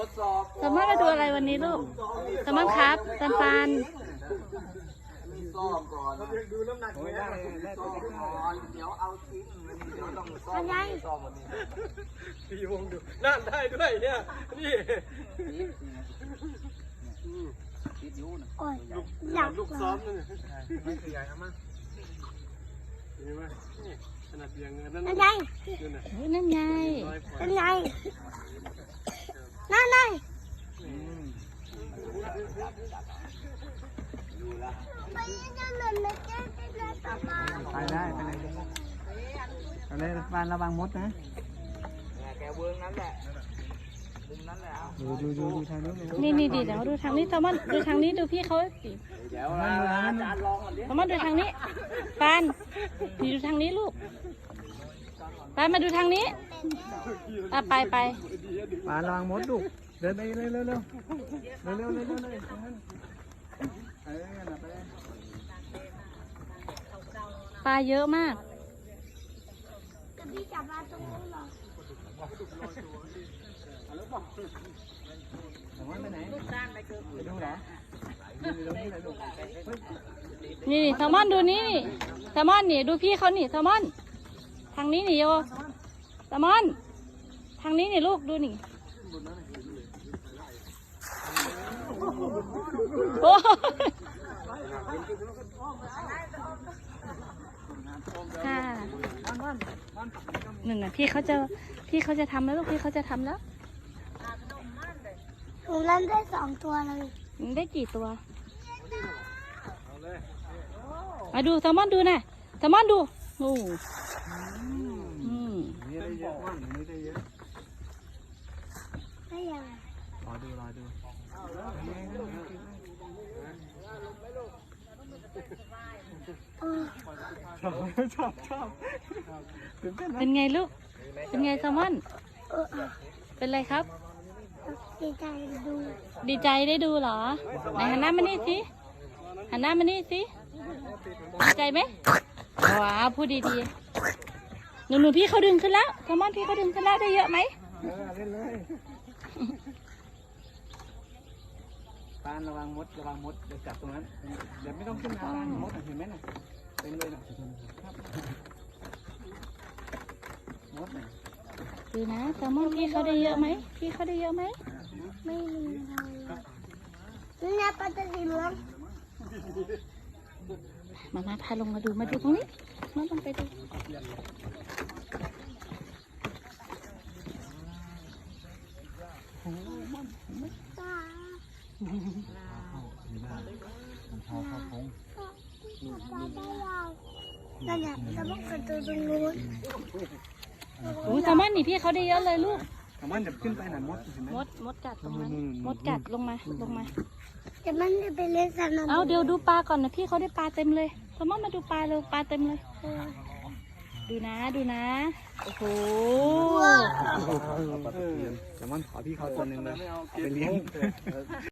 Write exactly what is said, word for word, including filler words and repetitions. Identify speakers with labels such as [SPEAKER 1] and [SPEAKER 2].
[SPEAKER 1] สามารถมาดูอะไรวันนี้ลูกสามารถครับตันปัน
[SPEAKER 2] ซ่อมก่อนดูน้ำหนักไม่ได้ซ่อมก่อนเดี๋ยวเอาทิ้งเดี๋ยวต้องซ่อมซ่อมวันนี้พี่วงดูนั่นได้ด้วยเนี่ยนี่ติดยูนะลูกลูกซ้อมนั่นไม่ขยายเอามาเห็นไหมขนาดเบียงเงินนั่นนั่นไง
[SPEAKER 1] นั่นไง
[SPEAKER 3] นั่นไงนั่นไง
[SPEAKER 2] ไปได้ไปเลยไปเลยฟานระวังมดนะแกเวิร์กนั้นแหละมุมนั้นแหละดูดูดูทางนู้น
[SPEAKER 1] นี่นี่ดีเดี๋ยวดูทางนี้สามารถดูทางนี้ดูพี่เขาสิ
[SPEAKER 2] เดี๋ยวอาจารย์ลองก่อนดิ
[SPEAKER 1] สามารถดูทางนี้ปานพี่ดูทางนี้ลูกปานมาดูทางนี้อ่ะไปไป
[SPEAKER 2] ฟานระวังมดลูกเดินไปเร็วเร็วเร็วเร็วเร็วเร็วเร็วเลยเออไปเลย
[SPEAKER 1] ปลาเยอะมาก
[SPEAKER 3] พี่จับปลาตรงนู้นหรอ
[SPEAKER 1] นี่แซลมอนดูนี่นี่แซลมอนนี่ดูพี่เขานี่แซลมอนทางนี้นี่โยแซลมอนทางนี้นี่ลูกดูนี่โอ้ค่ะหนึ่งนะพี่เขาจะพี่เขาจะทำแล้วลูกพี่เขาจะทำแล้ว
[SPEAKER 3] หนูเล่นได้สองตัวเลย
[SPEAKER 1] ได้กี่ตัวมาดูแซลมอนดูนะแซลมอนดูโอ้อืม
[SPEAKER 2] นี่ได้เยอะมากนี่ได้เยอะ
[SPEAKER 3] ได้ยัง
[SPEAKER 2] รอดูรอดูชอบชอบชอบ
[SPEAKER 1] เป็นไงลูกเป็นไงแซลมอนเป็นไรครับ
[SPEAKER 3] ดีใจดู
[SPEAKER 1] ดีใจได้ดูเหรอไหนหันหน้ามานี่สิหันหน้ามานี่สิดีใจไหมว้าวพูดดีๆหนูหนูพี่เขาดึงขึ้นแล้วแซลมอนพี่เขาดึงขึ้นแล้วได้เยอะไหม
[SPEAKER 2] เออเล่นเลยปานระวังมดระวังมดเดี๋ยวจับตรงนั้นเดี๋ยวไม่ต้องขึ้นมามดเห็นไหมน่ะเต็มเลยน่ะมดน่ะ
[SPEAKER 1] ดูนะแซลมอนพี่เขาได้เยอะไหมพี่เขาได้เยอะไหม
[SPEAKER 3] ไม่มีเลยนี่นะปลาตะลีเหลือง
[SPEAKER 1] มามาพาลงมาดูมาดูตรงนี้มาลงไปดู
[SPEAKER 3] นั่นเนี่ยจะต้องกระโดดตรงนู้น
[SPEAKER 1] โอ้แซลมอนนี่พี่เขาได้เยอะเลยลูก
[SPEAKER 2] แซลมอนจะขึ้นไปหน่อยมดเห็นไหม
[SPEAKER 1] มดมดกัดตรงนั้นมดกัดลงมาลงมา
[SPEAKER 3] จะมันจะไปเล่นสนาม
[SPEAKER 1] เอาเดี๋ยวดูปลาก่อนนะพี่เขาได้ปลาเต็มเลยแซลมอนมาดูปลาเร็วปลาเต็มเลยดูนะดูนะโอ้โห
[SPEAKER 2] แซลมอนขอพี่เขาตัวหนึ่งเลยไปเลี้ยง